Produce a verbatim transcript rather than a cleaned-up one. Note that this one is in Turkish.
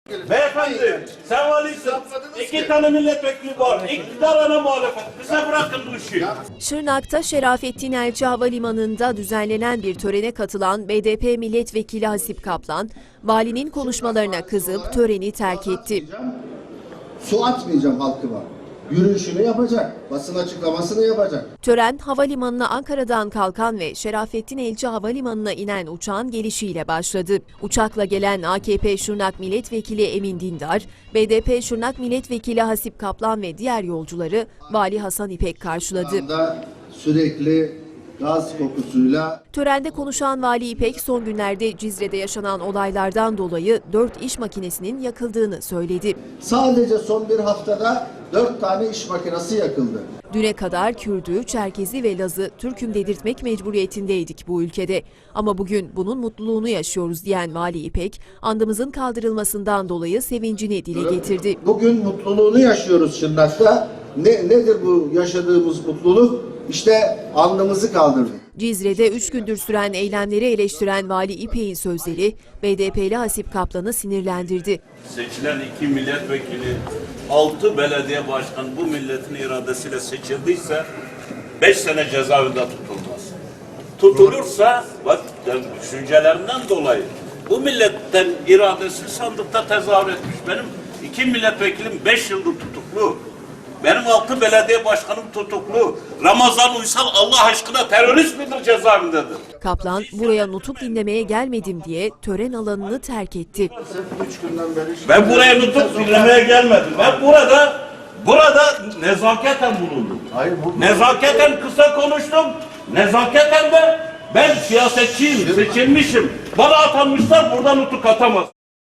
Beyefendi, sen valisin. İki tane milletvekili var. İktidar ana muhalefet. Bize bırakın bu işi. Şırnak'ta Şerafettin Elçi Havalimanı'nda düzenlenen bir törene katılan B D P milletvekili Hasip Kaplan, valinin konuşmalarına kızıp töreni terk etti. Su atmayacağım halkıma. Yürüyüşünü yapacak, basın açıklamasını yapacak. Tören, havalimanına Ankara'dan kalkan ve Şerafettin Elçi Havalimanı'na inen uçağın gelişiyle başladı. Uçakla gelen A K P Şırnak Milletvekili Emin Dindar, B D P Şırnak Milletvekili Hasip Kaplan ve diğer yolcuları Vali Hasan İpek karşıladı. Sürekli gaz kokusuyla... Törende konuşan Vali İpek, son günlerde Cizre'de yaşanan olaylardan dolayı dört iş makinesinin yakıldığını söyledi. Sadece son bir haftada dört tane iş makinesi yakıldı. Düne kadar Kürdü, Çerkezi ve Laz'ı Türk'üm dedirtmek mecburiyetindeydik bu ülkede. Ama bugün bunun mutluluğunu yaşıyoruz diyen Vali İpek, andımızın kaldırılmasından dolayı sevincini dile getirdi. Bugün mutluluğunu yaşıyoruz Şırnak'ta. Ne, nedir bu yaşadığımız mutluluk? İşte andımızı kaldırdık. Cizre'de üç gündür süren eylemleri eleştiren Vali İpek'in sözleri B D P'li Hasip Kaplan'ı sinirlendirdi. Seçilen iki milletvekili, altı belediye başkanı bu milletin iradesiyle seçildiyse beş sene cezaevinde tutulmaz. Tutulursa bak düşüncelerinden dolayı bu milletten iradesi sandıkta tezahür etmiş. Benim iki milletvekilim beş yıldır tutuklu. Benim altı belediye başkanım tutuklu. Ramazan Uysal Allah aşkına terörist midir, cezaevindedir? Kaplan, buraya nutuk dinlemeye gelmedim diye tören alanını terk etti. Ben buraya nutuk dinlemeye gelmedim. Ben burada burada nezaketen bulundum. Hayır, bu... Nezaketen kısa konuştum. Nezaketen de ben siyasetçiyim, seçilmişim. Bana atanmışlar, buradan nutuk atamaz.